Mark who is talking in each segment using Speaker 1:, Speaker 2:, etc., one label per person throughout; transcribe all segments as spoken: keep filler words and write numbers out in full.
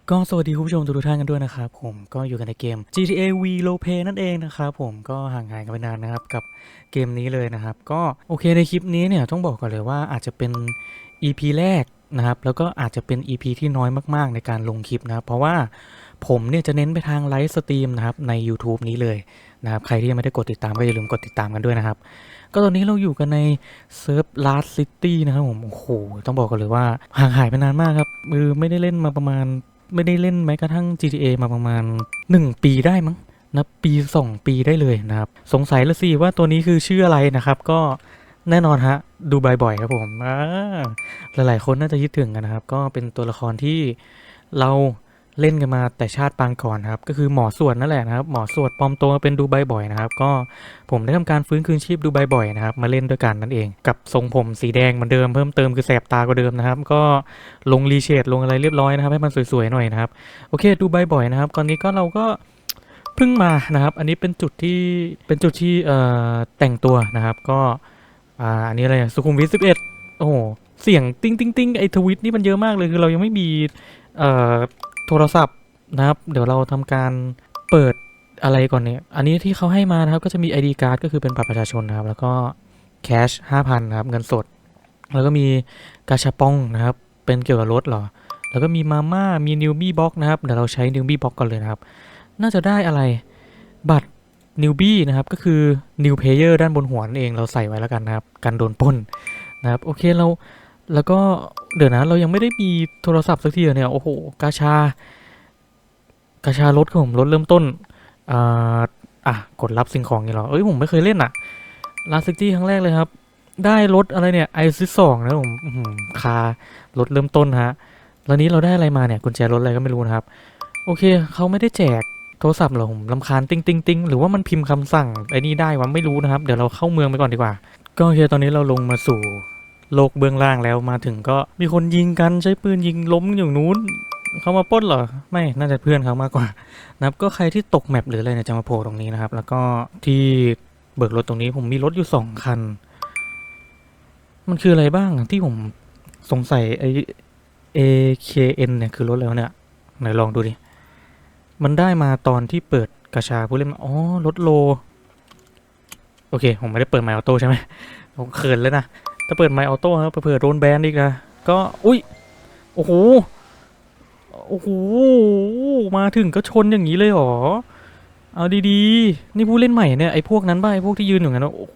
Speaker 1: ก็สวัสดีคุณผู้ชมทุกท่านกันด้วยนะครับผมก็อยู่กันในเกม จี ที เอ V Roleplay นั่นเองนะครับผมก็ห่างหายกันไปนานนะครับกับเกมนี้เลยนะครับก็โอเคในคลิปนี้เนี่ยต้องบอกก่อนเลยว่าอาจจะเป็น อี พี แรกนะครับแล้วก็อาจจะเป็น อี พี ที่น้อยมากๆในการลงคลิปนะครับเพราะว่าผมเนี่ยจะเน้นไปทางไลฟ์สตรีมนะครับใน YouTube นี้เลยนะครับใครที่ยังไม่ได้กดติดตามก็อย่าลืมกดติดตามกันด้วยนะครับก็ตอนนี้เราอยู่กันในเซิร์ฟ Last City นะครับผมโอ้โหต้องบอกกันเลยว่าห่างหายไปนานมากครับมือไม่ได้เล่นมาประมาณ ไม่ได้เล่นแม้กระทั่ง จี ที เอ มาประมาณหนึ่งปีได้มั้งนะปีสองปีได้เลยนะครับสงสัยละสิว่าตัวนี้คือชื่ออะไรนะครับก็แน่นอนฮะดูบ่อยๆครับผมอ่าหลายๆคนน่าจะคิดถึงกันนะครับก็เป็นตัวละครที่เราเล่นกันมาแต่ชาติปางก่อนครับก็คือหมอสวดนั่นแหละนะครับหมอสวดปลอมตัวมาเป็นดูไบบ่อยนะครับก็ผมได้ทำการฟื้นคืนชีพดูไบบ่อยนะครับมาเล่นด้วยกันนั่นเองกับทรงผมสีแดงเหมือนเดิมเพิ่มเติมคือแสบตากว่าเดิมนะครับก็ลงรีเชดลงอะไรเรียบร้อยนะครับให้มันสวยๆหน่อยนะครับโอเคดูไบบ่อยนะครับตอนนี้ก็เราก็เพิ่งมานะครับอันนี้เป็นจุดที่เป็นจุดที่เอ่อแต่งตัวนะครับก็อ่าอันนี้อะไรสุขุมวิทสิบเอ็ดโอ้โหเสียงติ้งติ้งติ้งไอทวิตนี่มันเยอะมากเลยคือเรายังไม่มีเอ่อ โทรศัพท์นะครับเดี๋ยวเราทำการเปิดอะไรก่อนเนี่ยอันนี้ที่เขาให้มานะครับก็จะมี ไอ ดี card ก็คือเป็นบัตรประชาชนนะครับแล้วก็แคชห้าพันนะครับเงินสดแล้วก็มีกาชาปองนะครับเป็นเกี่ยวกับรถเหรอแล้วก็มีมาม่ามีนิวบี้บ็อกนะครับเดี๋ยวเราใช้นิวบี้บ็อกก่อนเลยนะครับน่าจะได้อะไรบัตรนิวบี้นะครับก็คือนิวเพเยอร์ด้านบนหัวนั่นเองเราใส่ไว้แล้วกันนะครับกันโดนปล้นนะครับโอเคเราแล้วก็เดี๋ยวนะเรายังไม่ได้มีโทรศัพท์สักทีเนี่ยโอ้โหกาชา กาชารถครับผมรถเริ่มต้นอ่าอ่ะกดรับสิ่งของอย่างเหรอเอ้ยผมไม่เคยเล่นอ่ะลาซิตี้ครั้งแรกเลยครับได้รถอะไรเนี่ยไอซิสองนะผมอื้อหือคารถเริ่มต้นฮะแล้วนี้เราได้อะไรมาเนี่ยกุญแจรถอะไรก็ไม่รู้นะครับโอเคเขาไม่ได้แจกโทรศัพท์เหรอผมลำคาญติ้งติ้งติ้งหรือว่ามันพิมพ์คำสั่งไอ้นี่ได้วะไม่รู้นะครับเดี๋ยวเราเข้าเมืองไปก่อนดีกว่าก็โอเคตอนนี้เราลงมาสู่โลกเบื้องล่างแล้วมาถึงก็มีคนยิงกันใช้ปืนยิงล้มอยู่นู้นเขามาปล้นเหรอไม่น่าจะเพื่อนเขามากกว่า นะครับก็ใครที่ตกแมปหรืออะไรเนี่ยจะมาโผล่ตรงนี้นะครับแล้วก็ที่เบิกรถตรงนี้ผมมีรถอยู่สองคันมันคืออะไรบ้างที่ผมสงสัยไอ เอ เค เอ็น เนี่ยคือรถแล้วเนี่ยไหนลองดูดิมันได้มาตอนที่เปิดกระชาผู้เล่นอ๋อรถโลโอเคผมไม่ได้เปิดไมค์ออโต้ใช่ไหมผมเขินเลยนะถ้าเปิดไมค์ออโต้ครับเผื่อโดนแบนอีกนะก็อุ้ยโอ้โหโอ้โหมาถึงก็ชนอย่างนี้เลยเหรอ เอาดีๆนี่ผู้เล่นใหม่เนี่ยไอ้พวกนั้นบ้าไอ้พวกที่ยืนอยู่งั้นโอ้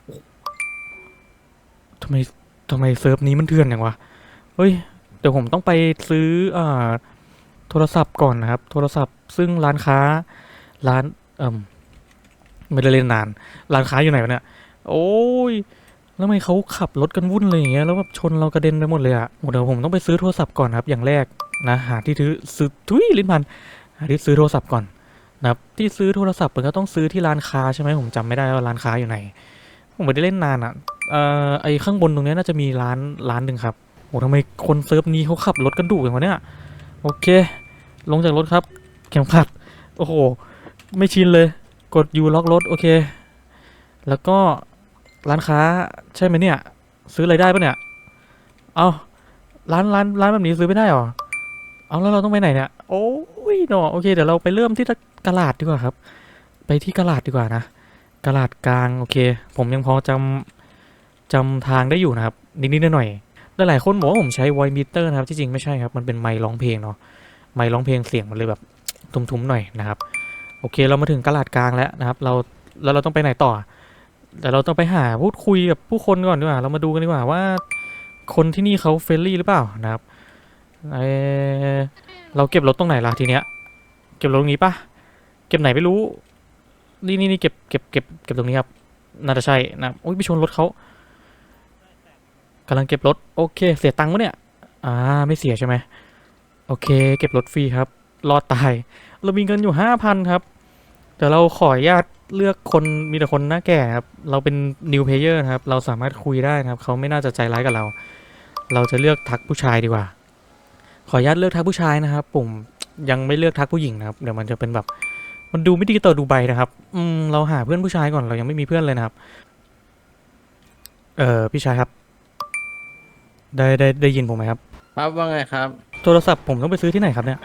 Speaker 1: ทำไมทำไมเซิร์ฟนี้มันเถื่อนอย่างวะเฮ้ยเดี๋ยวผมต้องไปซื้ออ่าโทรศัพท์ก่อนนะครับโทรศัพท์ซึ่งร้านค้าร้านเอ่มไม่ได้เล่นนานร้านค้าอยู่ไหนวะเนี่ยโอ้ยแล้วทำไมเขาขับรถกันวุ่นเลยอย่างเงี้ยแล้วแบบชนเรากระเด็นไปหมดเลยอะเดี๋ยวผมต้องไปซื้อโทรศัพท์ก่อนครับอย่างแรกนะหาที่ซื้อซื้อทุยลิ้นพันหาที่ซื้อโทรศัพท์ก่อน นะครับที่ซื้อโทรศัพท์มันก็ต้องซื้อที่ร้านค้าใช่ไหมผมจำไม่ได้ว่าร้านค้าอยู่ไหนผมไม่ได้เล่นนานอ่ะเอ่อไอข้างบนตรงนี้น่าจะมีร้านร้านหนึ่งครับโอ้ทำไมคนเซิร์ฟนี้เขาขับรถกันดุอย่างวะเนี่ยโอเคลงจากรถครับเข็มขัดโอ้โหไม่ชินเลยกดยูล็อกรถโอเคแล้วก็ร้านค้าใช่ไหมเนี่ยซื้ออะไรได้ปะเนี่ยเอาร้านร้านร้านแบบนี้ซื้อไม่ได้หรอเอาแล้วเราต้องไปไหนเนี่ยโอ้ยเนาะโอเคเดี๋ยวเราไปเริ่มที่ตลาดดีกว่าครับ ไปที่กะลาดดีกว่านะกะลาดกลางโอเคผมยังพอจำจำทางได้อยู่นะครับนิดๆหน่อยๆหลายๆคนบอกว่าผมใช้ไวมิเตอร์นะครับที่จริงไม่ใช่ครับมันเป็นไมค์ร้องเพลงเนาะไมค์ร้องเพลงเสียงมันเลยแบบทุ้มๆหน่อยนะครับโอเคเรามาถึงกะลาดกลางแล้วนะครับเราแล้วเราต้องไปไหนต่อแต่เราต้องไปหาพูดคุยกับผู้คนก่อนดีกว่าเรามาดูกันดีกว่าว่าคนที่นี่เขาเฟรนลี่หรือเปล่านะครับเออเราเก็บรถตรงไหนล่ะทีเนี้ยเก็บรถตรงนี้ปะเก็บไหนไม่รู้ นี่นี่นี่เก็บเก็บเก็บเก็บตรงนี้ครับน่าจะใช่นะโอ้ยไปชนรถเขากำลังเก็บรถโอเคเสียตังค์วะเนี่ยอ่าไม่เสียใช่ไหมโอเคเก็บรถฟรีครับรอดตายเรามีเงินอยู่ห้าพันครับแต่เราขออนุญาตเลือกคนมีแต่คนหน้าแก่ครับเราเป็น new player นะครับเราสามารถคุยได้นะครับเขาไม่น่าจะใจร้ายกับเราเราจะเลือกทักผู้ชายดีกว่าขออนุญาตเลือกทักผู้ชายนะครับผมยังไม่เลือกทักผู้หญิงนะครับเดี๋ยวมันจะเป็นแบบมันดูไม่ดีต่อดูใบนะครับอืมเราหาเพื่อนผู้ชายก่อนเรายังไม่มีเพื่อนเลยนะครับ เออพี่ชายครับได้ได้ได้ยินผมไหมครับ
Speaker 2: ครับว่าไงครับ
Speaker 1: โทรศัพท์ผมต้องไปซื้อที่ไหนครับเนี่ย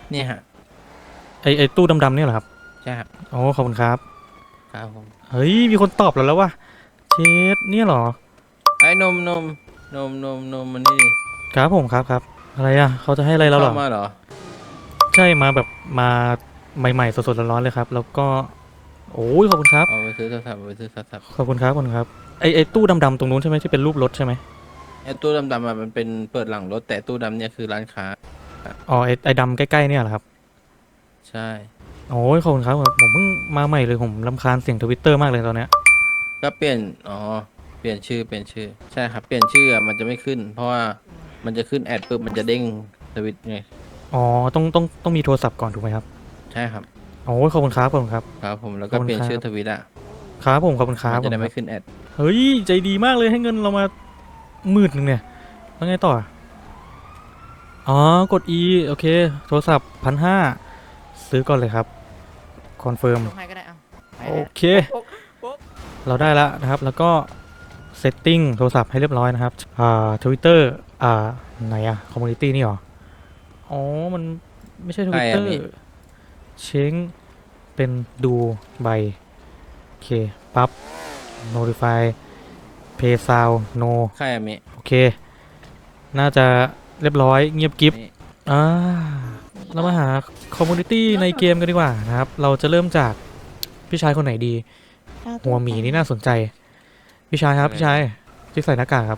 Speaker 2: เนี่ยฮะ
Speaker 1: ไอไอตู้ดำๆเนี่ยเหรอครับ
Speaker 2: ใช่ครับ
Speaker 1: โอ้ขอบคุณครับ
Speaker 2: ครับผม
Speaker 1: เฮ้ยมีคนตอบเราแล้วว่ะเชดเนี่ยเหรอ
Speaker 2: ไอ้นมนมนมนมนมมันนี่ดิ
Speaker 1: ครับผมครับครับอะไรอ่ะเขาจะให้อะไร
Speaker 2: มึง
Speaker 1: เราเหรอ
Speaker 2: เข้ามาเหรอ
Speaker 1: ใช่มาแบบมาใหม่ๆสดๆร้อนๆเลยครับแล้วก็โอ้ยขอบคุณครับ
Speaker 2: เอาไปซื้อโทรศัพท์เอาไปซื้อโทรศัพท์
Speaker 1: ขอบคุณครับขอบคุณครับไอไอตู้ดำๆตรงนู้นใช่ไหมที่เป็นรูปรถใช่ไหม
Speaker 2: ไอ้ตู้ดำๆอะมันเป็นเปิดหลังรถแต่ตู้ดำเนี่ยคือร้านค้า
Speaker 1: อ๋อไอไอดำใกล้ๆเนี่ยเหรอครับ
Speaker 2: ใช่
Speaker 1: โอ้ยขอบคุณครับผมเพิ่งมาใหม่เลยผมรำคาญเสียงทวิตเตอร์มากเลยตอนเนี้ย
Speaker 2: ก็เปลี่ยนอ๋อเปลี่ยนชื่อเปลี่ยนชื่อใช่ครับเปลี่ยนชื่ออะมันจะไม่ขึ้นเพราะว่ามันจะขึ้นแอดปุ๊บมันจะเด้งทวิตไง
Speaker 1: อ๋อต้องต้องต้องมีโทรศัพท์ก่อนถูกไหมครับ
Speaker 2: ใช่ครับ
Speaker 1: โอ้ยขอบคุณครับขอบคุณครับ
Speaker 2: ครับผมแล้ว
Speaker 1: ขอบคุณ
Speaker 2: ก็เปลี่ยนชื่อท
Speaker 1: ครับ
Speaker 2: วิตอะ
Speaker 1: ครับผมขอบคุณครับ
Speaker 2: มันจะได้
Speaker 1: ผมครับ
Speaker 2: ไม่ขึ้นแอด
Speaker 1: เฮ้ยใจดีมากเลยให้เงินเรามาหมื่นหนึ่งเนี่ยแล้วไงต่ออ๋อกด E โอเคโทรศัพท์พันห้าซื้อก่อนเลยครับคอนเฟิร์ม
Speaker 3: ลงให้ก็ได้เอาไป
Speaker 1: โอ
Speaker 3: ได้
Speaker 1: เค
Speaker 3: ปุ๊บปุ๊บ
Speaker 1: เราได้แล้วนะครับแล้วก็เซตติ้งโทรศัพท์ให้เรียบร้อยนะครับอ่าทวิตเตอร์อ่าไหนอะคอมมูนิตี้นี่หรออ๋อมันไม่ใช่ท
Speaker 2: ใคร
Speaker 1: วิตเตอร์
Speaker 2: อะมิ
Speaker 1: เช้งเป็นดูใบโอเคปั๊บ notify pay sound no
Speaker 2: ใครอะมิ
Speaker 1: โอเคน่าจะเรียบร้อยเงียบกิฟ
Speaker 2: มิ
Speaker 1: อ่าเรามาหาคอมมูนิตี้ในเกมกันดีกว่านะครับเราจะเริ่มจากพี่ชายคนไหนดีหัวหมีนี่น่าสนใจพี่ชายครับพี่ชายที่ใส่หน้ากากครับ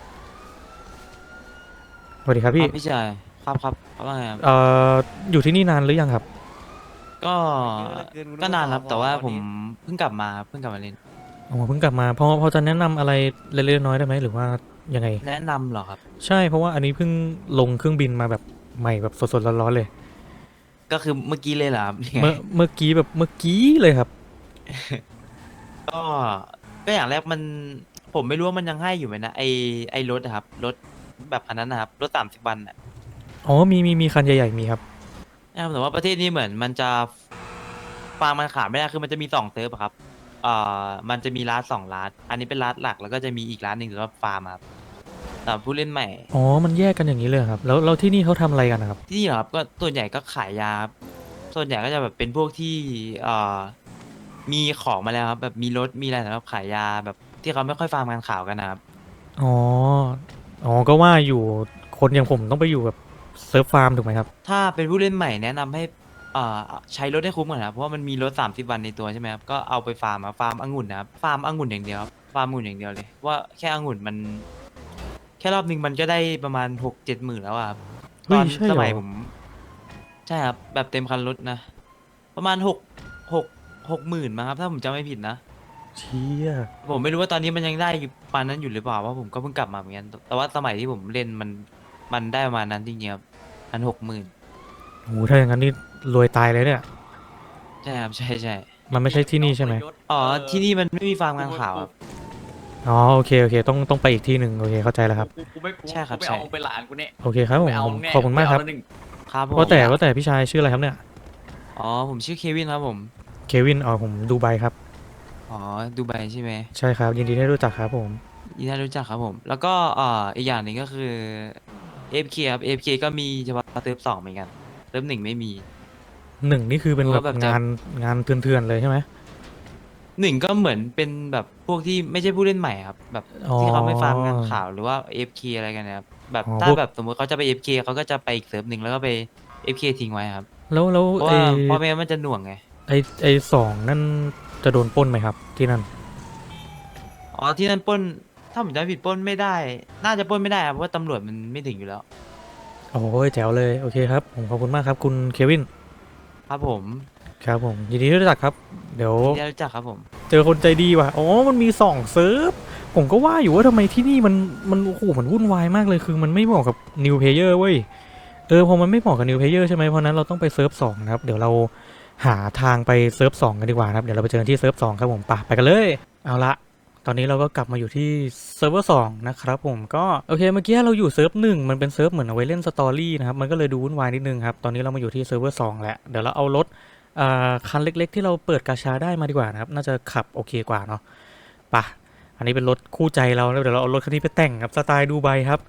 Speaker 1: สวัสดีครับพี่
Speaker 4: ครับพี่ชายครับครับครับว่าไงครับ
Speaker 1: เอ่ออยู่ที่นี่นานหรือยังครับ
Speaker 4: ก็ก็นานครับแต่ว่าผมเพิ่งกลับมาครับเพิ่งกลับมาเล่น
Speaker 1: อ๋อเพิ่งกลับมาพอพอจะแนะนำอะไรเล็กๆน้อยๆได้ไหมหรือว่ายังไง
Speaker 4: แนะนำเหรอครับ
Speaker 1: ใช่เพราะว่าอันนี้เพิ่งลงเครื่องบินมาแบบใหม่แบบสดๆร้อนๆเลย
Speaker 4: ก็คือเมื่อกี้เลยเหรอครับยังไง
Speaker 1: เมื่อเมื่อกี้แบบเมื่อกี้เลยครับ
Speaker 4: ก็ก็อย่างแรกมันผมไม่รู้ว่ามันยังให้อยู่ไหมนะไอไอรถอะครับรถแบบคันนั้นนะครับรถสามสิบวันอะ
Speaker 1: อ๋อมีมีมีคันใหญ่ๆมีครับ
Speaker 4: นะครับแต่ว่าประเทศนี้เหมือนมันจะฟาร์มมันขาดไม่ได้คือมันจะมีสองเซิร์ฟอะครับเอ่อมันจะมีร้านสองร้านอันนี้เป็นร้านหลักแล้วก็จะมีอีกร้านหนึ่งสำหรับฟาร์มครับสำหรับผู้เล่นใหม่
Speaker 1: อ๋อมันแยกกันอย่างนี้เลยเหรอครับแล้วแล้วที่นี่เขาทำอะไรกันนะครับ
Speaker 4: ที่นี่เหรอครับก็ส่วนใหญ่ก็ขายยาครับส่วนใหญ่ก็จะแบบเป็นพวกที่เอ่อมีของมาแล้วครับแบบมีรถมีอะไรสำหรับขายยาแบบที่เขาไม่ค่อยฟาร์มงานข่าวกันนะครับ
Speaker 1: อ๋ออ๋อก็ว่าอยู่คนอย่างผมต้องไปอยู่แบบเซิร์ฟฟาร์มถูกไหมครับ
Speaker 4: ถ้าเป็นผู้เล่นใหม่แนะนำให้เอ่อใช้รถให้คุ้มก่อนนะครับเพราะว่ามันมีรถสามสิบวันในตัวใช่ไหมครับก็เอาไปฟาร์มครับฟาร์มองุ่นนะครับฟาร์มองุ่นอย่างเดียวครับฟาร์มองุ่นอย่างเดียวเลยว่าแค่องุ่นมันแค่รอบหนึ่งมันก็ได้ประมาณหกเจ็ดหมื่นแล้วอะครับต
Speaker 1: เฮ้
Speaker 4: อน
Speaker 1: ยใช่เหรอ
Speaker 4: สมัยผมใช่ครับแบบเต็มคันรถนะประมาณหกหกหกหมื่นมั้งครับถ้าผมจำไม่ผิดนะ
Speaker 1: เชี่ย
Speaker 4: ผมไม่รู้ว่าตอนนี้มันยังได้อยู่ปานนั้นอยู่หรือเปล่าเพราะผมก็เพิ่งกลับมาเหมือนกันแต่ว่าสมัยที่ผมเล่นมันมันได้ประมาณนั้นจริงๆครับพันหกหมื่น
Speaker 1: โหถ้าอย่างนั้นนี่รวยตายเลยเนี่ย
Speaker 4: ใช่ครับใช่ใช่
Speaker 1: มันไม่ใช่ที่นี่ใช่ไหม
Speaker 4: อ๋อที่นี่มันไม่มีฟาร์มงานข่าวครับ
Speaker 1: อ๋อโอเคโอเคต้องต้องไปอีกที่หนึ่งโอเคเข้าใจแล้วครับ
Speaker 3: กูกูไม่กู
Speaker 4: ใช่ครับ
Speaker 3: กูไม่
Speaker 4: ใช่
Speaker 3: เอาเป็นหลานกูเนี่ย
Speaker 1: โอเคครับผม
Speaker 3: ไม่เอา
Speaker 1: ผม
Speaker 3: แน่
Speaker 1: ขอบคุณมากครับ
Speaker 3: ไเแล้วหนึ่ง
Speaker 4: ครับผ
Speaker 1: ว่า
Speaker 4: ม
Speaker 1: แต่ว่าแต่พี่ชายชื่ออะไรครับเนี่ย
Speaker 4: อ๋อผมชื่อเควินครับผม
Speaker 1: เควินอ๋อผมดูไบครับ
Speaker 4: อ๋อดูไบใช่ไหม
Speaker 1: ใช่ครับยินดีได้รู้จักครับผม
Speaker 4: ยินดีรู้จักครับผมแล้วก็อ่าอีกอย่างหนึ่งก็คือ เอ เอฟ เค ครับ เอ เอฟ เค ก็มีเฉพาะเติมสองเหมือนกันเติมหนึ่งไม่มี
Speaker 1: หนึ่งนี่คือเป็น
Speaker 4: หรือ
Speaker 1: แบบ
Speaker 4: ว่าแบบจะ
Speaker 1: งานงานเถื่อนๆเลยใช่ไหม
Speaker 4: หนึ่งก็เหมือนเป็นแบบพวกที่ไม่ใช่ผู้เล่นใหม่ครับแบบ
Speaker 1: อ๋อ
Speaker 4: ที่เขาไม่ฟาร์มงานข่าวหรือว่า เอ เอฟ เค อะไรกันนะครับแบบถ้า
Speaker 1: อ๋อพวก
Speaker 4: แบบสมมติเขาจะไป เอ เอฟ เค เคเขาก็จะไปอีกเซิร์ฟหนึ่งแล้วก็ไป เอ เอฟ เค ทิ้งไว้ครับ
Speaker 1: แล้วแล้ว
Speaker 4: เพราะ
Speaker 1: ไอ
Speaker 4: ว่าเพราะไม่งั้นมันจะหน่วงไง
Speaker 1: ไอไอสองนั่นจะโดนปล้นไหมครับที่นั่น
Speaker 4: อ๋อที่นั่นปล้นถ้าผมจำไม่ผิดปล้นไม่ได้ น่าจะปล้นไม่ได้ครับเพราะว่าตำรวจมันไม่ถึงอยู่แล้ว
Speaker 1: โอ้ยแจ๋วเลยโอเคครับผมขอบคุณมากครับคุณเควิน
Speaker 4: ครับผม
Speaker 1: ครับผมยินดีที่รู้จักครับเดี๋ยว
Speaker 4: ยินดีรู้จักครับผม
Speaker 1: เจอคนใจดีว่ะอ๋อมันมีสองเซิร์ฟผมก็ว่าอยู่ว่าทำไมที่นี่มันมันโอ้โหมันวุ่นวายมากเลยคือมันไม่เหมาะกับ New Player เว้ยเออพอมันไม่เหมาะกับ New Player ใช่ไหมเพราะนั้นเราต้องไปเซิร์ฟสองนะครับเดี๋ยวเราหาทางไปเซิร์ฟสองกันดีกว่านะครับเดี๋ยวเราไปเจอกันที่เซิร์ฟสองครับผมไปไปกันเลยเอาละตอนนี้เราก็กลับมาอยู่ที่เซิร์ฟเวอร์สองนะครับผมก็โอเคเมื่อกี้เราอยู่เซิร์ฟหนึ่งมันเป็นเซิร์ฟเหมือนเอาไว้เล่นสตอรี่นะครับมันก็เลยดูวุ่นวายนิดนึงครับตอนนี้เรามาอยู่ที่เซิร์ฟเวอร์สองแล้วเดี๋ยวเราเอารถอ่าคันเล็กๆที่เราเปิดกาชาได้มาดีกว่านะครับน่าจะขับโอเคกว่าเนาะไปะอันนี้เป็นรถคู่ใจเราแล้วเดี๋ยวเราเอารถคันนี้ไปแต่งครับสไตล์ดูไบครับ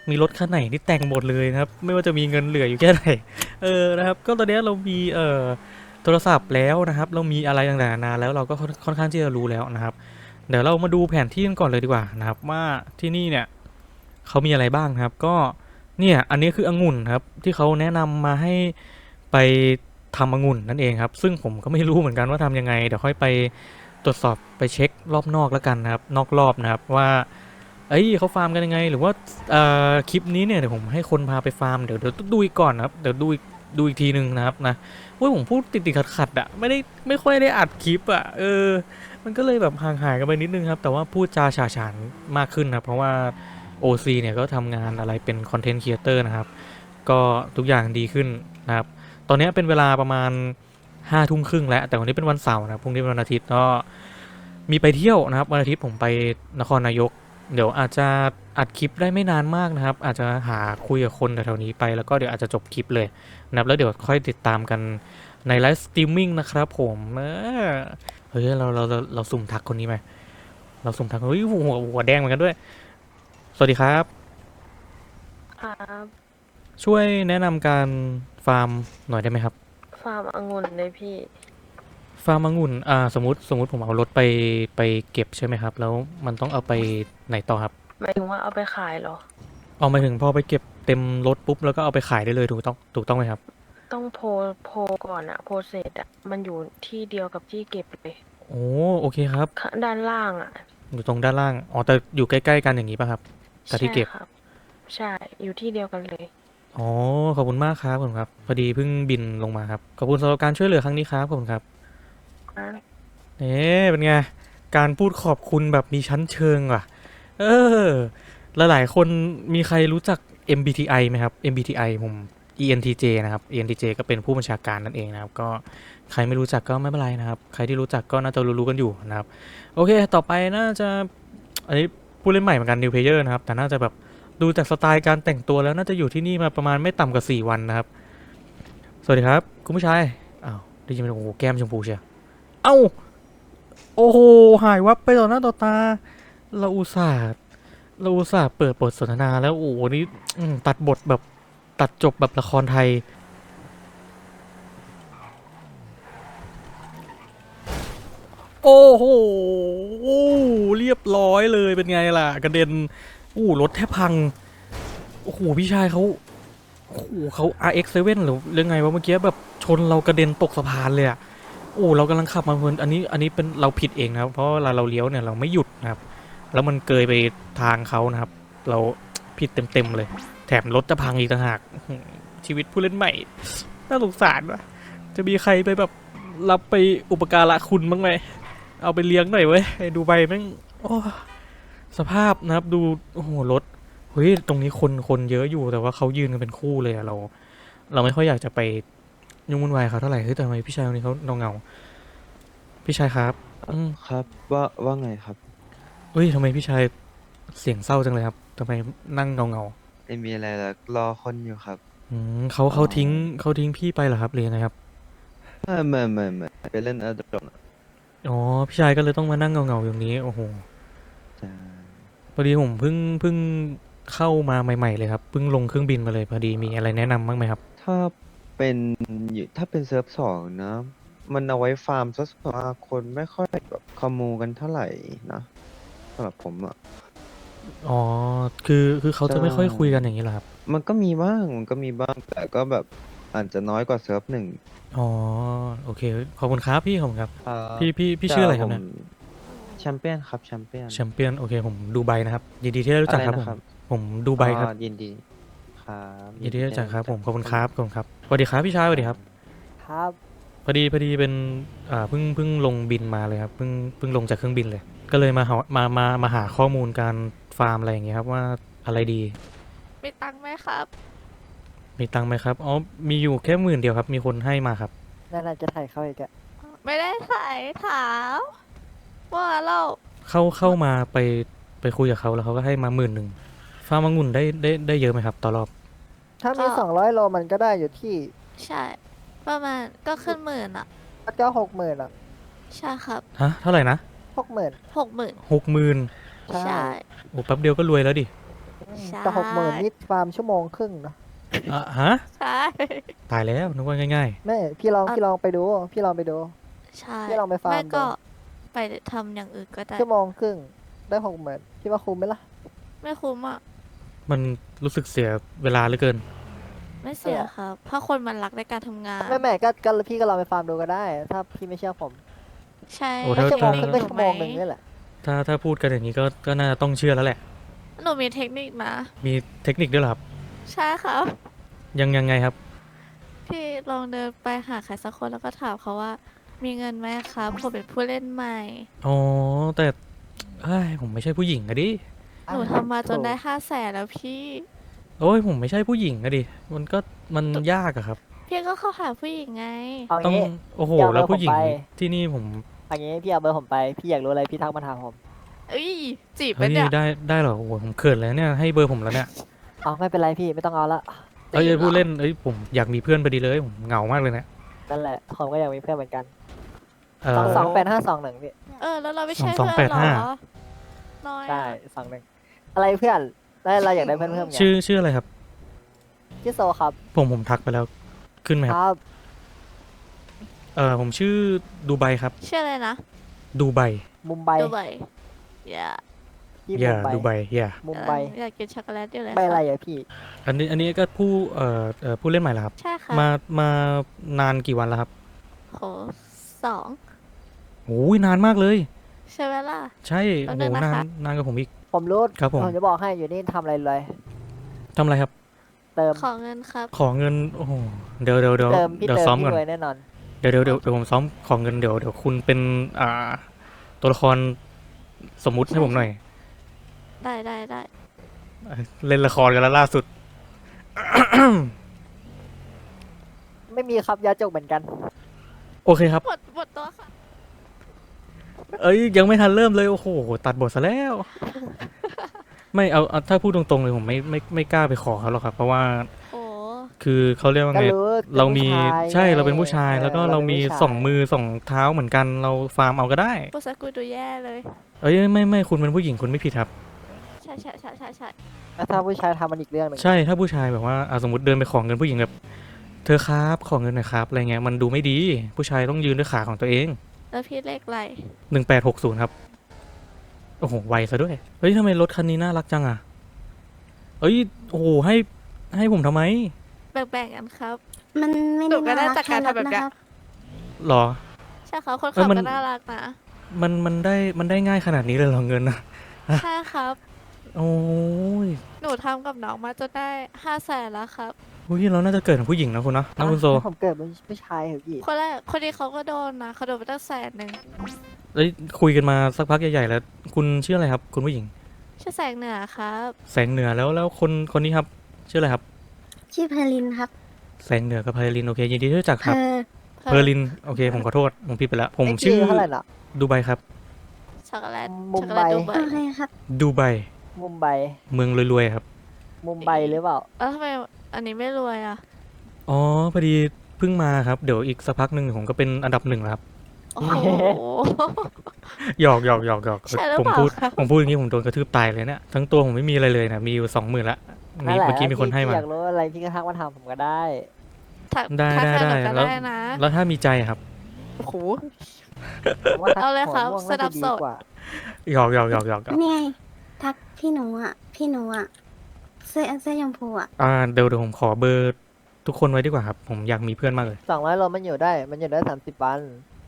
Speaker 1: มีรถคันไหนที่แต่งหมดเลยนะครับ ไม่ว่าจะมีเงินเหลืออยู่แค่ไหนเออนะครับ ก็ตอนนี้เรามีเอ่อโทรศัพท์แล้วนะครับ เรามีอะไรต่างๆนานาแล้วเราก็ค่อนค่อนข้างที่จะรู้แล้วนะครับ เดี๋ยวเรามาดูแผนที่กันก่อนเลยดีกว่านะครับว่าที่นี่เนี่ยเขามีอะไรบ้างนะครับ ก็เนี่ยอันนี้คือองุ่นครับที่เขาแนะนำมาให้ไปทำองุ่นนั่นเองครับ ซึ่งผมก็ไม่รู้เหมือนกันว่าทำยังไงเดี๋ยวค่อยไปตรวจสอบไปเช็ครอบนอกแล้วกันนะครับ นอกรอบนะครับว่าเอ้ยเขาฟาร์มกันยังไง หรือว่าเอ่อคลิปนี้เนี่ยเดี๋ยวผมให้คนพาไปฟาร์มเดี๋ยวเดี๋ยวดูอีกก่อนนะครับเดี๋ยวดูอีกดูอีกทีหนึ่งนะครับนะว่าผมพูดติดติดขัดขัดๆอะไม่ได้ไม่ค่อยได้อัดคลิปอะเออ มันก็เลยแบบห่างหายกันไปนิดนึงครับ แต่ว่าพูดจาฉาฉานมากขึ้นนะเพราะว่า โอ ซี เนี่ยก็ทำงานอะไรเป็นคอนเทนต์ครีเอเตอร์นะครับ ก็ทุกอย่างดีขึ้นนะครับ ตอนนี้เป็นเวลาประมาณห้าทุ่มครึ่งแล้ว แต่วันนี้เป็นวันเสาร์นะพรุ่งนี้เป็นวันอาทิตย์ก็มีไปเที่ยวนะครับวันอาทิตย์ผมไปนครนายก เดี๋ยวอาจจะอัดคลิปได้ไม่นานมากนะครับ อาจจะหาคุยกับคนแถวๆนี้ไปแล้วก็เดี๋ยวอาจจะจบคลิปเลยนะครับแล้วเดี๋ยวค่อยติดตามกันในไลฟ์สตรีมมิ่งนะครับผมเออ เฮ้ยเราเราเราเราสุ่มทักคนนี้ไหมเราสุ่มทักเฮ้ยหัวหัวแดงเหมือนกันด้วยสวัสดีครับ
Speaker 5: ครับ
Speaker 1: ช่วยแนะนำการฟาร์มหน่อยได้ไหมครับ
Speaker 5: ฟาร์มองุ่นเลยพี่
Speaker 1: ฟาร์มองุ่นอ่าสมมติสมมติผมเอารถไปไปเก็บใช่ไหมครับแล้วมันต้องเอาไปไหนต่อครับ
Speaker 5: หมายถึงว่าเอาไปขายเหรอ
Speaker 1: เอามาถึงพอไปเก็บเต็มรถปุ๊บแล้วก็เอาไปขายได้เลยถูกต้องถูกต้องไหมครับ
Speaker 5: ต้องโพลโพลก่อนอะโพลเสร็จอะมันอยู่ที่เดียวกับที่เก็บเลย
Speaker 1: โอ้โอเคครับ
Speaker 5: ข้างด้านล่างอะ
Speaker 1: อยู่ตรงด้านล่างอ๋อแต่อยู่ใกล้ๆกันอย่างนี้ป่ะครับแต่ที่เก็บ
Speaker 5: ใช่ครับ ใช่ อยู่ที่เดียวกันเลย
Speaker 1: อ๋อขอบคุณมากครับผมครับพอดีเพิ่งบินลงมาครับขอบคุณสำหรับการช่วยเหลือครั้งนี้ครับขอบคุณครับ
Speaker 5: นะ
Speaker 1: เอ๊ะเป็นไง การพูดขอบคุณแบบมีชั้นเชิงว่ะ เออ หลายๆคนมีใครรู้จัก เอ็ม บี ที ไอ ไหมครับ เอ็ม บี ที ไอ ผม อี เอ็น ที เจ นะครับ อี เอ็น ที เจ ก็เป็นผู้บัญชาการนั่นเองนะครับ ก็ใครไม่รู้จักก็ไม่เป็นไรนะครับ ใครที่รู้จักก็น่าจะรู้ๆกันอยู่นะครับ โอเค ต่อไปน่าจะ อันนี้ผู้เล่นใหม่เหมือนกัน New Player นะครับ แต่น่าจะแบบดูจากสไตล์การแต่งตัวแล้วน่าจะอยู่ที่นี่มาประมาณไม่ต่ำกว่าสี่วันนะครับ สวัสดีครับ คุณผู้ชาย อ้าวได้ยินไหมโอ้โหแก้มชมพูเชียวเอ้า โอ้โห หายวับไปต่อหน้าต่อตา เราอุตส่าห์เราอุตส่าห์เปิดบทสนทนาแล้ว โอ้โห นี่อืมตัดบทแบบตัดจบแบบละครไทย โอ้โห เรียบร้อยเลย เป็นไงล่ะ กระเด็นอู้รถแทบพัง โอ้โห พี่ชายเขาโอ้โหเขา อาร์ เอ็กซ์ เซเว่น หรือเรื่องไงวะเมื่อกี้แบบชนเรากระเด็นตกสะพานเลยอะ โอ้เรากำลังขับมาเพลินอันนี้อันนี้เป็นเราผิดเองนะครับ เพราะเวลาเราเลี้ยวเนี่ยเราไม่หยุดนะครับ แล้วมันเกยไปทางเขานะครับ เราผิดเต็มๆเลย แถมรถจะพังอีกต่างหากอื้อหือชีวิตผู้เล่นใหม่ น่าสงสารวะจะมีใครไปแบบรับไปอุปการะคุณบ้างไหม เอาไปเลี้ยงหน่อยเว้ยไอ้ดูใบแม่งโอ้สภาพนะครับดูโอ้โหรถเฮ้ยตรงนี้คนคนเยอะอยู่แต่ว่าเขายืนกันเป็นคู่เลยอะเรา เราไม่ค่อยอยากจะไปยุ่งวุ่นวายเขาเท่าไหร่เฮ้ยแต่ทำไมพี่ชายคนนี้เขาเงาเงาๆพี่ชายครับอืม
Speaker 6: ครับว่าว่าไงครับ
Speaker 1: เฮ้ยทำไมพี่ชายเสียงเศร้าจังเลยครับทำไมนั่งเงาเงา
Speaker 6: ไม่มีอะไรแล้วรอคนอยู่ครับ
Speaker 1: ๆอืมเขาเขาทิ้งเขาทิ้งพี่ไปเหรอครับหรือยังไงครับ
Speaker 6: ไม่ไม่ไม่ไม่ไปเล่นอัลดรอน
Speaker 1: อ๋อพี่ชายก็เลยต้องมานั่งเงาเงาๆอย่างนี้โอ้โห
Speaker 6: จ้า
Speaker 1: พอดีผมเพิ่งเพิ่งเข้ามาใหม่ๆเลยครับเพิ่งลงเครื่องบินมาเลยพอดีมีอะไรแนะนำบ้างไหมครับ
Speaker 6: ถ้าเป็นอยู่ถ้าเป็นเซิร์ฟสองนะ มันเอาไว้ฟาร์มซะส่วนมากคนไม่ค่อยแบบคอมมูกันเท่าไหร่นะสำหรับผมอ่ะ
Speaker 1: อ๋อคือคือเขาจะไม่ค่อย
Speaker 6: ใช่
Speaker 1: คุยกันอย่างนี้เหรอครับ
Speaker 6: มันก็มีบ้างมันก็มีบ้าง แต่ก็แบบอาจจะน้อยกว่าเซิร์ฟหนึ่ง
Speaker 1: อ๋อโอเคขอบคุณครับพี่ขอบคุณครับ
Speaker 6: ครับ
Speaker 1: พี่พี่พี่ชื่ออะไรครับเนี่ย
Speaker 6: ผมแชมเปี้ยนครับแชมเปี้ยน
Speaker 1: แชมเปี้ยนโอเคผมดูไบนะครับยินดีที่ได้รู้จักครับ
Speaker 6: อะไร
Speaker 1: ผม
Speaker 6: นะครับ
Speaker 1: ผมดูไบครับ
Speaker 6: อ๋อยินดีครับ
Speaker 1: ยินดีที่ได้รู้จักครับผมขอบคุณครับขอบคุณครับสวัสดีครับพี่ชายสวัสดีครับ
Speaker 7: ครับ
Speaker 1: พอดีพอดีเป็นอ่าเพิ่งเพิ่งลงบินมาเลยครับเพิ่งเพิ่งลงจากเครื่องบินเลย ก็เลยมาหามามามาหาข้อมูลการฟาร์มอะไรอย่างเงี้ยครับว่าอะไรดี
Speaker 8: มีตังค์ไหมครับ
Speaker 1: มีตังค์ไหมครับอ๋อมีอยู่แค่หมื่นเดียวครับมีคนให้มาครับ
Speaker 7: นั่นน่าจะถ่ายเข้าอีกอะ
Speaker 8: ไม่ได้ถ่ายถามว่าเรา
Speaker 1: เข้าเข้ามาไปไปคุยกับเขาแล้วเขาก็ให้มาหมื่นหนึ่งฟาร์มองุ่นได้ได้ได้เยอะไหมครับต่อรอบ
Speaker 7: ถ้ามีสองร้อยโลมันก็ได้อยู่ที่
Speaker 8: ใช่ ประมาณก็ขึ้นหมื่นอ่ะ
Speaker 7: ก็หกหมื่นอ่ะ
Speaker 8: ใช่ครับ
Speaker 1: ฮะเท่าไหร่นะ
Speaker 7: หกหมื่น
Speaker 8: หกหมื่น
Speaker 1: หกหมื่น
Speaker 7: ใช่
Speaker 8: ใช่
Speaker 1: โอ้แป๊บเดียวก็รวยแล้วดิ
Speaker 8: ใช่
Speaker 7: แต่หกหมื่นนี่ฟาร์มชั่วโมงครึ่งนะ
Speaker 1: อ่ะฮะ
Speaker 8: ใช่
Speaker 1: ตายแล้วนึกว่าง่าย
Speaker 7: แม่พี่ลองพี่ลองไปดู พี่ลองไปดู
Speaker 8: ใช่
Speaker 7: พี่ลองไปฟาร์ม
Speaker 8: ไม่ก็
Speaker 7: ดู
Speaker 8: ไปทำอย่างอื่นก็ได้
Speaker 7: ชั่วโมงครึ่งได้หกหมื่นพี่ว่าคุ้มไหมล่ะ
Speaker 8: ไม่คุ้มอ่ะ
Speaker 1: ๆ มันรู้สึกเสียเวลาเหลือเกิน
Speaker 8: ไม่เสีย
Speaker 7: เออ
Speaker 8: ครับ เพราะคนมันรักในการทำงาน
Speaker 7: แม่แม่ก็ก็พี่ก็ลองไปฟาร์มดูก็ได้ ถ้าพี่ไม่เชื่อผม
Speaker 8: ใช่
Speaker 1: โอ้
Speaker 7: ไม่
Speaker 1: ถ้า
Speaker 7: ชั่วโมง
Speaker 8: เท
Speaker 7: ค
Speaker 8: ค
Speaker 7: รึ่ง
Speaker 8: นิ
Speaker 7: ก็
Speaker 8: ค
Speaker 7: ชั่วโมงหนึ่งนี่แหละ
Speaker 1: ถ้าถ้าพูดกันอย่างนี้ก็ก็น่าจะต้องเชื่อแล้วแหละ
Speaker 8: หนูมีเทคนิคนะ
Speaker 1: มีเทคนิคด้วยเหรอครับ
Speaker 8: ใช่ครับ
Speaker 1: ยังยังไงครับ
Speaker 8: พี่ลองเดินไปหาใครสักคนแล้วก็ถามเขาว่า มีเงินไหมครับผมเป็นผู้เล่นใหม่
Speaker 1: อ๋อ แต่เฮ้ยผมไม่ใช่ผู้หญิงอะดิ
Speaker 8: หนูทำมาจนได้ห้าแสนแล้วพี่
Speaker 1: โอ้ยผมไม่ใช่ผู้หญิงอะดิ มันก็มันยากอะครับ
Speaker 8: พี่ก็เข้าหาผู้หญิงไง
Speaker 7: เอา
Speaker 1: ต้อง
Speaker 7: งี้
Speaker 1: โอ้โห
Speaker 7: เดี๋ยว
Speaker 1: แล้ว
Speaker 7: เรา
Speaker 1: ผู้หญิง
Speaker 7: ผมไป
Speaker 1: ที่นี่ผม
Speaker 7: เอางี้พี่เอาเบอร์ผมไป พี่อยากรู้อะไรพี่ทักมาถามผม
Speaker 8: เอ้ยจีบไป
Speaker 1: เฮ้ย
Speaker 8: เนี่ย
Speaker 1: ได้ได้เหรอโอ้โหผมเขินแล้วเนี่ยให้เบอร์ผมแล้วเนี่ย
Speaker 7: เอาไม่เป็นไรพี่ไม่ต้องเอาละ
Speaker 1: เอ้ยผู้เล่นเอ้ยผมอยากมีเพื่อนพอดีเลยผมเหงามากเลยเนะ
Speaker 7: นั่นแหละผมก็อยากมีเพื่อนเหมือนกัน
Speaker 1: เอ
Speaker 7: สอง
Speaker 1: อ
Speaker 7: สองแปดห้าสองหนึ่งพี่
Speaker 8: เออแล้วเราไม่ใช่
Speaker 1: สองสอง
Speaker 8: เพื่อนเหร
Speaker 1: แปดห้า
Speaker 8: อน้อย
Speaker 7: ใช่
Speaker 8: อะ
Speaker 7: สองหนึ่งอะไรเพื่อนแล้วเราอยากได้เพื่อนเพิ่มไง
Speaker 1: ชื่อชื่ออะไรครับ
Speaker 7: ชื่อโซครับ
Speaker 1: ผมผมทักไปแล้วขึ้นไหม
Speaker 7: ค
Speaker 1: ครับ
Speaker 7: รับ
Speaker 1: เออผมชื่อดูไบครับ
Speaker 8: ชื่ออะไรนะ
Speaker 1: ดูไบ
Speaker 7: มุมไบ
Speaker 8: ดูไบอย่า
Speaker 7: พี่
Speaker 1: อย่า
Speaker 7: มุมไบ
Speaker 1: ดูไบอย่า
Speaker 7: มุมไบ
Speaker 8: อยากกินช็อกโกแลตอยู่เลย
Speaker 7: ใบอะไร
Speaker 8: ค่ะ
Speaker 7: อะพี่
Speaker 1: อันนี้อันนี้ก็ผู้เอ่อเอ่อผู้เล่นใหม่เหรอครับ
Speaker 8: ใช่ค่ะ
Speaker 1: มามานานกี่วันแล้วครับ
Speaker 8: โหสอง
Speaker 1: โอ้ยนานมากเลย
Speaker 8: ใช่ไหมล่ะ
Speaker 1: ใช่โอ้
Speaker 8: แป๊บ
Speaker 1: โห
Speaker 8: นึงนะคะ
Speaker 1: นานนานกว่าผมอีก
Speaker 7: ผมรู้
Speaker 1: ครับผม
Speaker 7: ผมจะบอกให้อยู่นี่ทำอะไรเลย
Speaker 1: ทำอะไรครับ
Speaker 7: เติม
Speaker 8: ขอเงินครับ
Speaker 1: ขอเงินโอ้โหเดี๋ยวเดี๋ยวเดี๋ยว
Speaker 7: เติมพี่
Speaker 1: เดี๋ยว
Speaker 7: เติม
Speaker 1: ซ้อม
Speaker 7: พี่
Speaker 1: ก่อน
Speaker 7: รวยแน่นอน
Speaker 1: เดี๋ยวเดี๋ยวเดี๋ยวเดี๋ยวผมซ้อมขอเงินเดี๋ยวเดี๋ยวคุณเป็นอ่าตัวละครสมมุติให้ผมหน่อย
Speaker 8: ได้ได้ได้
Speaker 1: เอ้ยเล่นละครกันแล้วล่าสุด
Speaker 7: ไม่มีครับยาจกเหมือนกัน
Speaker 1: โอเคครับ
Speaker 8: หมดหมดตัวค่ะ
Speaker 1: เอ้ยยังไม่ทันเริ่มเลยโอ้โหตัดบทซะแล้ว ไม่เอาเอาถ้าพูดตรงๆเลยผมไม่ไม่ไม่กล้าไปขอเขาหรอกครับ เพราะว่า
Speaker 8: โอ้
Speaker 1: คือเขาเรียกว่า
Speaker 7: ก็
Speaker 1: ไง
Speaker 7: รู้เป็น
Speaker 1: เรามี
Speaker 7: ผู้ชาย
Speaker 1: ใช่
Speaker 7: ไง
Speaker 1: เราเป็นผู้ชาย แล้วก็
Speaker 7: ออ
Speaker 1: เรา
Speaker 7: ป็น
Speaker 1: มี
Speaker 7: ผู้ชาย
Speaker 1: สองมือสองเท้าเหมือนกันเราฟาร์มเอาก็ได้
Speaker 8: พูดสกุลดูแย่เลย
Speaker 1: เอ้ยไม่ไม่คุณเป็นผู้หญิงคุณไม่ผิดครับ
Speaker 8: ใช่ใช่ใช่ใช่ใช่
Speaker 7: แล้วถ้าผู้ชายทำมันอีกเรื่องหนึ่ง
Speaker 1: ใช่ถ้าผู้ชายแบบว่าอ่ะสมมติเดินไปขอเงินผู้หญิงแบบเธอครับขอเงินหน่อยครับอะไรเงี้ยมันดูไม่ดี ผู้ชายต้องยืนด้วยขาของตัวเอง
Speaker 8: แล้วพี่เลขอะไร
Speaker 1: หนึ่งแปดหกศูนย์ครับโอ้โหไวซะด้วยเฮ้ยทำไมรถคันนี้น่ารักจังอ่ะเอ้ยโอ้โหให้ให้ผมทำไม
Speaker 8: แบ่งๆกันครับ
Speaker 9: มันไม่
Speaker 8: หนู
Speaker 9: ได้
Speaker 8: ก็
Speaker 9: น่า
Speaker 8: ได้
Speaker 9: รัก
Speaker 8: จากการ
Speaker 9: แค่รถ
Speaker 8: ทำแบบ
Speaker 9: นะ
Speaker 8: เนี้ย
Speaker 9: ครับ
Speaker 1: หรอ
Speaker 8: ใช่ครับคน
Speaker 1: เอ้
Speaker 8: ขั
Speaker 1: ย
Speaker 8: บ
Speaker 1: มัน
Speaker 8: ก็น่ารักนะ
Speaker 1: มันมันได้มันได้ง่ายขนาดนี้เลยเหรอเงินนะ
Speaker 8: ใช่ครับ
Speaker 1: โอ้ย
Speaker 8: หนูทำกับน้องมาจนได้ห้าแสนแล้วครับ
Speaker 1: อุ้ยเราน่าจะเกิดเป็นผู้หญิงนะคุณเนาะนะคุณโซ
Speaker 7: อ่ะผมเกิดเป็นผู้ชายเหรอพี่
Speaker 8: คนแรกคนนี้เขาก็โดนนะเขาโดนไปตั้งแสนหนึ่ง
Speaker 1: เอ้ยคุยกันมาสักพักใหญ่ๆแล้ว คุณชื่ออะไรครับ คุณผู้หญิง
Speaker 8: ชื่อแสงเหนือครับ
Speaker 1: แสงเหนือแล้วแล้วคนคนนี้ครับชื่ออะไรครับ
Speaker 9: ชื่อเพลินครับ
Speaker 1: แสงเหนือกับไพลินโอเคยินดีที่รู้จัก
Speaker 9: เพ
Speaker 1: ครับ
Speaker 9: อ
Speaker 1: เพอร์ลินโอเคผมขอโทษผมผิดไปแล้ว ผม
Speaker 7: ไอ้พี่
Speaker 1: ชื่อ
Speaker 7: เท่าไหร่น่ะ
Speaker 1: ดูไบครับ
Speaker 8: ช็อกโกแลต
Speaker 7: มุ
Speaker 8: ช็
Speaker 7: ม
Speaker 8: อกโกแลต
Speaker 7: ไบ
Speaker 8: ดูไบ
Speaker 9: โอเคครับ
Speaker 1: ดูไบ
Speaker 7: มุมไบ
Speaker 1: เมืองรวยๆครับ
Speaker 7: มุมไบหรือเปล่า
Speaker 8: แล้วทำไมอันนี้ไม่รวยอ่ะ
Speaker 1: อ๋อพอดีเพิ่งมาครับเดี๋ยวอีกสักพักหนึ่งผมก็เป็นอันดับหนึ่งแล้วครับ
Speaker 8: โอ้โห
Speaker 1: หยอกหยอกหยอกหยอก
Speaker 8: ใช่หรือ
Speaker 1: ผม
Speaker 8: เปล่า
Speaker 1: พูด
Speaker 8: คะ
Speaker 1: ผมพูดอย่างนี้ผมโดนกระทืบตายเลยเนี่ยทั้งตัวผมไม่มีอะไรเลยนะมีอยู่สองหมื่นละมี
Speaker 7: นั่นแหละ
Speaker 1: เมื่อกี้มีคนให้
Speaker 7: พี่
Speaker 1: มา
Speaker 7: อยากรู้อะไรพี่ก็ทักมาถามผมก็ได้
Speaker 8: ถัก
Speaker 1: ได้
Speaker 8: ทัก
Speaker 1: ได้
Speaker 8: ทาย
Speaker 1: ได้
Speaker 8: หนูก็
Speaker 1: แล้ว
Speaker 8: ได้นะ
Speaker 1: แล้วถ้ามีใจครับ
Speaker 8: โอ้โห
Speaker 7: ผมว่าทัก
Speaker 8: เอาเลยครับ
Speaker 7: หัวม่วง
Speaker 8: สนั
Speaker 7: น่า
Speaker 8: บ
Speaker 7: จะดี
Speaker 8: สนุน
Speaker 7: กว่า
Speaker 1: หยอกหยอกหยอกหยอกหยอก
Speaker 9: นี่ไง ทักพี่หนูอ่ะ พี่หนูอ่ะ เสื้อเสื้อชมพูอ่ะ
Speaker 1: อ่าเดี๋ยวเดี๋ยวผมขอเบอร์ทุกคนไว้ดีกว่าครับผมอยากมีเพื่อนมากเลย
Speaker 7: สองร้อยโลมันอยู่ได้ มันอยู่ได้สามสิบวัน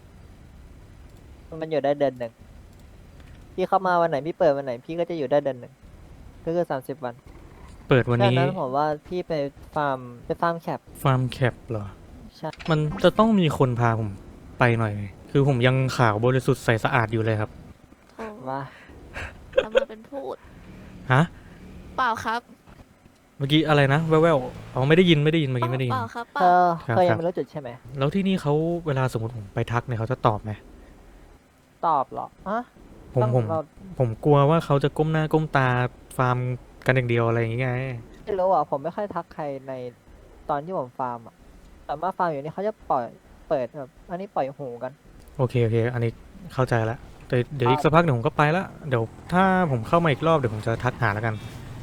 Speaker 7: มันอยู่ได้เดือนหนึ่ง พี่เข้ามาวันไหนพี่เปิดวันไหนพี่ก็จะอยู่ได้เดือนหนึ่ง ก็คือสามสิบวัน
Speaker 1: เปิดวัน
Speaker 7: ดัง
Speaker 1: นี้
Speaker 7: นั้นผมว่าพี่ไปฟาร์มไปฟาร์มแคป
Speaker 1: ฟาร์มแคปเหรอ
Speaker 7: ใช่
Speaker 1: มันจะต้องมีคนพาผมไปหน่อย คือผมยังขาวบริสุทธิ์ใสสะอาดอยู่เลยครับ
Speaker 8: โถ่
Speaker 7: ว่า
Speaker 8: ทำมาเป็นพูด
Speaker 1: ฮะ
Speaker 8: เปล่าครับ
Speaker 1: เมื่อกี้อะไรนะแว่วๆอ๋อไม่ได้ยินไม่ได้ยินเมื่อกี้ไม่ได้ยิ
Speaker 8: เป
Speaker 1: น
Speaker 8: ล่าครับเป
Speaker 7: เธ
Speaker 8: ล่า
Speaker 7: อ
Speaker 1: ครับ
Speaker 7: เธอ
Speaker 1: ครั
Speaker 7: ยั
Speaker 1: บ
Speaker 7: งไม่รู้จุดใช่ไหม
Speaker 1: แล้วที่นี่เขาเวลาสมมติผมไปทักเนี่ยเขาจะตอบไหม
Speaker 7: ตอบเหรออะ
Speaker 1: ผม
Speaker 7: ต้อง
Speaker 1: ผม
Speaker 7: เรา
Speaker 1: ผมกลัวว่าเขาจะก้มหน้าก้มตาฟาร์มกันอย่างเดียวอะไรอย่างเงี้ย
Speaker 7: ไม่รู้อ่ะ ผมไม่ค่อยทักใครในตอนที่ผมฟาร์มอ่ะ แต่ว่าฟาร์มอยู่นี่เขาจะปล่อย เปิดแบบ อันนี้ปล่อยหูกัน
Speaker 1: โอเคโอเค อันนี้เข้าใจละแต่เดี๋ยวอีก
Speaker 7: ครับ
Speaker 1: สักพักเดี๋ยวผมก็ไปละเดี๋ยวถ้าผมเข้ามาอีกรอบเดี๋ยวผมจะทักหาแล้วกัน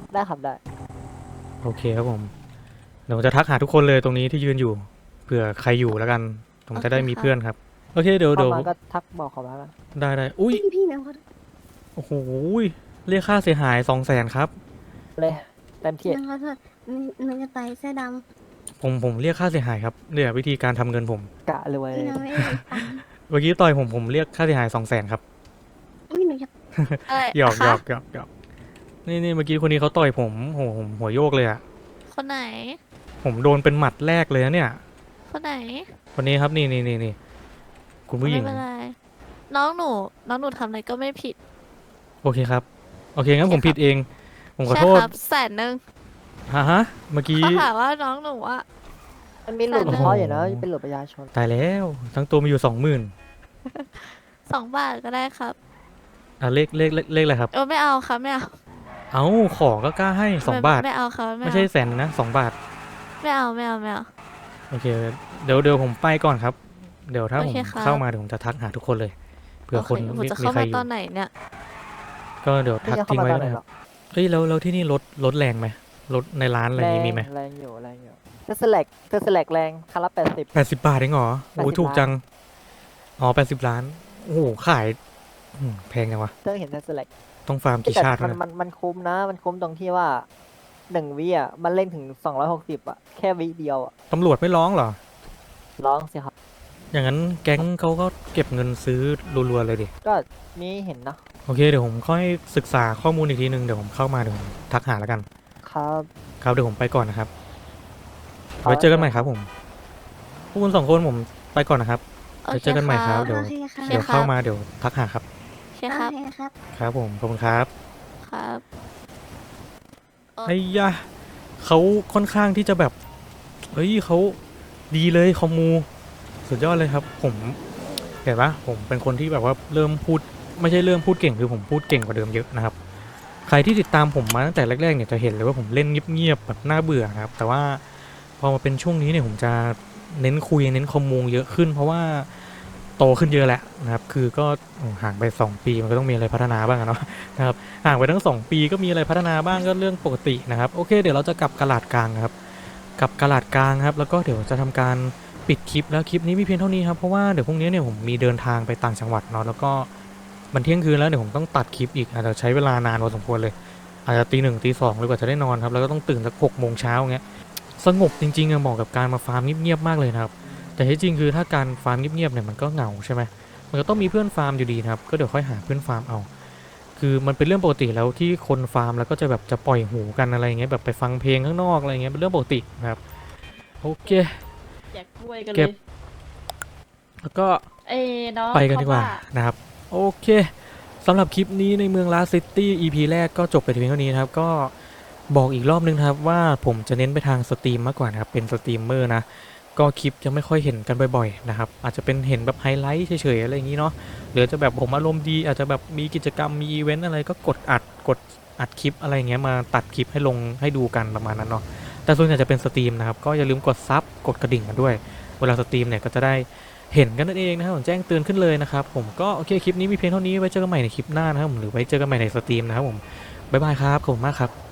Speaker 7: ได้ครับได้
Speaker 1: โอเคครับผมเดี๋ยวผมจะทักหาทุกคนเลยตรงนี้ที่ยืนอยู่เผื่อใครอยู่แล้วกันผมจะได้มีเพื่อนครับโอเคเดี๋ยว
Speaker 7: เข้า
Speaker 1: เดี๋ยว
Speaker 7: มาก็ทักบอกเขามาแล้ว
Speaker 1: ได้ได้อุ้ย
Speaker 9: พี่พี่แมวเขา
Speaker 1: โอ้โหเรียกค่าเสียหายสองแสนครับ
Speaker 7: เลยเต็มที่
Speaker 9: แมวเขาเถอะหนูจะต่อยเสื้อด
Speaker 1: ผมผมเรียกค่าเสียหายครับเนี่ยวิธีการทำเงินผม
Speaker 7: กะรวย
Speaker 9: ำ
Speaker 7: เล
Speaker 9: พี่
Speaker 7: ย
Speaker 9: น้องไม่ได้ตังค์
Speaker 1: เมื่อกี้ต่อยผมผมเรียกค่าเสียหายสองแสนครับ
Speaker 9: อุ้ยหนูจะ
Speaker 8: อะไร
Speaker 1: หยอกหย
Speaker 8: คะ
Speaker 1: อกหยอกหยอกนี่นี่เมื่อกี้คนนี้เขาต่อยผมโหผมหัวโยกเลยอะ
Speaker 8: คนไหน
Speaker 1: ผมโดนเป็นหมัดแรกเลยนะเนี่ย
Speaker 8: คนไหน
Speaker 1: คนนี้ครับนี่นี่นี่นี่คุณผู้หญิง
Speaker 8: ไม่เป็นไรน้องหนูน้องหนูทำอะไรก็ไม่ผิด
Speaker 1: โอเคครับโอเคงั้นผมผิดเอง ผมขอ
Speaker 8: ใช่
Speaker 1: โทษ
Speaker 8: ครับแสนหนึ่ง
Speaker 1: ฮะฮะเมื่อกี้
Speaker 8: เขาถามว่าน้องหนูว่า
Speaker 7: มันมีหลุด
Speaker 8: โอ้โห
Speaker 7: เพราะอยู่นะเป็นหลุดประชาชน
Speaker 1: ตายแล้วทั้งตัวมีอยู่สองหมื่น
Speaker 8: สองบาทก็ได้ครับ
Speaker 1: อ่ะเลขเลขเลขเลขอะไรครับ
Speaker 8: เออไม่เอาครับไม่เอา
Speaker 1: เอาของก็กล้าให้สอง
Speaker 8: ไม่
Speaker 1: บาท
Speaker 8: ไม่เอาครับไม่
Speaker 1: ไม่
Speaker 8: เอา
Speaker 1: ใช่แสนนะสองบาท
Speaker 8: ไม่เอาไม่เอาไม่เอา
Speaker 1: โอเคเดี๋ยวเดี๋ยวผมไปก่อนครับ เดี๋ยวถ้า
Speaker 8: โอ
Speaker 1: ผม
Speaker 8: เคครับ
Speaker 1: เข้ามาเดี๋ยวผมจะทักหาทุกคนเลยเผื่อคน
Speaker 8: โอเคผม
Speaker 1: มี
Speaker 8: จะ
Speaker 1: มี
Speaker 8: เข้า
Speaker 1: ใคร
Speaker 8: มา
Speaker 1: อยู่
Speaker 8: ตอนไหนเนี่ย
Speaker 1: ก็เดี๋ยว
Speaker 7: ไม่
Speaker 1: ทัก
Speaker 7: จะเข้า
Speaker 1: ทิ้ง
Speaker 7: มา
Speaker 1: ไว้
Speaker 7: ตอนไหน
Speaker 1: นะค
Speaker 7: หร
Speaker 1: รั
Speaker 7: อบ ก
Speaker 1: เฮ้ยแล้วแล้วที่นี่รถรถแรงไหมรถในร้านอะไรอ
Speaker 7: แร
Speaker 1: ย่าง
Speaker 7: ง
Speaker 1: งี้มีไหม
Speaker 7: แรงอยู่แรงอยู่เทสแลกเทสแลกแรงคันละแปดสิบ
Speaker 1: แปดสิบบาทเองเหรอโอ้ย
Speaker 7: แปดสิบ
Speaker 1: ถูกจังอ๋อแปดสิบล้านโอ้โหขายอืมแพงจังวะ
Speaker 7: เพิ่งเห็นเทสแลก
Speaker 1: ต้องฟาร์มกี่
Speaker 7: แต่
Speaker 1: ชาติ
Speaker 7: มัน
Speaker 1: วะเนย
Speaker 7: มันมันคุ้มนะ มันคุ้มตรงที่ว่าหนึ่งวิอ่ะมันเล่นถึงสองร้อยหกสิบอ่ะแค่วิเดียวอ่ะ
Speaker 1: ตำรวจไม่ร้องเหรอ
Speaker 7: ร้องสิครับ
Speaker 1: อย่างนั้นแก๊งเขาก็เก็บเงินซื้อรัวๆเลยดิ
Speaker 7: ก็มีเห็นเนาะ
Speaker 1: โอเคเดี๋ยวผมค่อยศึกษาข้อมูลอีกทีนึงเดี๋ยวผมเข้ามาเดี๋ยวผมทักหาแล้วกัน
Speaker 7: ครับ
Speaker 1: ครับเดี๋ยวผมไปก่อนนะครับไว้เจอกันใหม่ครับผมพวกคุณสองคนผมไปก่อนนะครับ
Speaker 8: โอ
Speaker 1: ไว้
Speaker 8: เค
Speaker 1: เจอกันใหม่ครับ
Speaker 8: บ
Speaker 1: เดี๋ยว
Speaker 9: โอเคค่ะ
Speaker 1: เดี๋ยวเข้ามาเดี๋ยวทักหาครับ
Speaker 8: โอเคครับ
Speaker 9: โอเคครับ
Speaker 1: ครับผมขอบคุณครับ
Speaker 8: ครับ
Speaker 1: ไอ้ยะเขาค่อนข้างที่จะแบบเฮ้ยเขาดีเลยคอมมูสุดยอดเลยครับ ผมเห็นปะผมเป็นคนที่แบบว่าเริ่มพูดไม่ใช่เริ่มพูดเก่งคือผมพูดเก่งกว่าเดิมเยอะนะครับ ใครที่ติดตามผมมาตั้งแต่แรกๆเนี่ยจะเห็นเลยว่าผมเล่นเงียบๆแบบน่าเบื่อนะครับ แต่ว่าพอมาเป็นช่วงนี้เนี่ยผมจะเน้นคุยเน้นคอมมูเยอะขึ้น เพราะว่าโตขึ้นเยอะแหละนะครับ คือก็ห่างไปสองปีมันก็ต้องมีอะไรพัฒนาบ้างอะเนาะนะครับห่างไปทั้งสองปีก็มีอะไรพัฒนาบ้างก็เรื่องปกตินะครับโอเคเดี๋ยวเราจะกลับกระลาดกลางครับกลับกระลาดกลางครับแล้วก็เดี๋ยวจะทำการปิดคลิปแล้วคลิปนี้มีเพียงเท่านี้ครับเพราะว่าเดี๋ยวพรุ่งนี้เนี่ยผมมีเดินทางไปต่างจังหวัดเนาะแล้วก็มันเที่ยงคืนแล้วเดี๋ยวผมต้องตัดคลิปอีกอาจจะใช้เวลานานพอสมควรเลยอาจจะตีหนึ่งตีสองเลยกว่าจะได้นอนครับแล้วก็ต้องตื่นสักหกโมงเช้าอย่างเงี้ยสงบจริงๆอะเหมาะกับการมาฟาร์มเงียบๆมากเลยนะครับแต่ที่จริงคือถ้าการฟาร์มเงียบๆเนี่ยมันก็เหงาใช่ไหมมันก็ต้องมีเพื่อนฟาร์มอยู่ดีนะครับก็เดี๋ยวค่อยหาเพื่อนฟาร์มเอาคือมันเป็นเรื่องปกติแล้วที่คนฟาร์มแล้วก็จะแบบจะปล่อยหูกันอะไรเงี้ยแบบไปฟังเพลงข้างนอกอะไรเงี้ยเป็นเรื่องปกตินะครับโอเค
Speaker 10: แจกกล้วยกัน
Speaker 1: เก็
Speaker 10: เล
Speaker 1: บ
Speaker 10: ย
Speaker 1: แล้วก็
Speaker 10: เอ้น้อง
Speaker 1: ไปกันดีกว่า
Speaker 10: เข
Speaker 1: นะครับโอเคสำหรับคลิปนี้ในเมืองลาซิตี้ อี พี แรกก็จบไปเพียงเท่านี้นะครับก็บอกอีกรอบนึงนะครับว่าผมจะเน้นไปทางสตรีมมากกว่านะครับเป็นสตรีมเมอร์นะก็คลิปจะไม่ค่อยเห็นกันบ่อยๆนะครับอาจจะเป็นเห็นแบบไฮไลท์เฉยๆอะไรอย่างนี้เนาะหรือจะแบบผมอารมณ์ดีอาจจะแบบมีกิจกรรมมีอีเวนต์อะไรก็กดอัดกดอัดคลิปอะไรเงี้ยมาตัดคลิปให้ลงให้ดูกันประมาณนั้นเนาะแต่ส่วนใหญ่จะเป็นสตรีมนะครับก็อย่าลืมกดซับกดกระดิ่งกันด้วยเวลาสตรีมเนี่ยก็จะได้เห็นกันนั่นเองนะครับผมแจ้งเตือนขึ้นเลยนะครับผมก็โอเคคลิปนี้มีเพียงเท่านี้ไว้เจอกันใหม่ในคลิปหน้านะครับผมหรือไว้เจอกันใหม่ในสตรีมนะครับผมบ๊ายบายครับขอบคุณมากครับ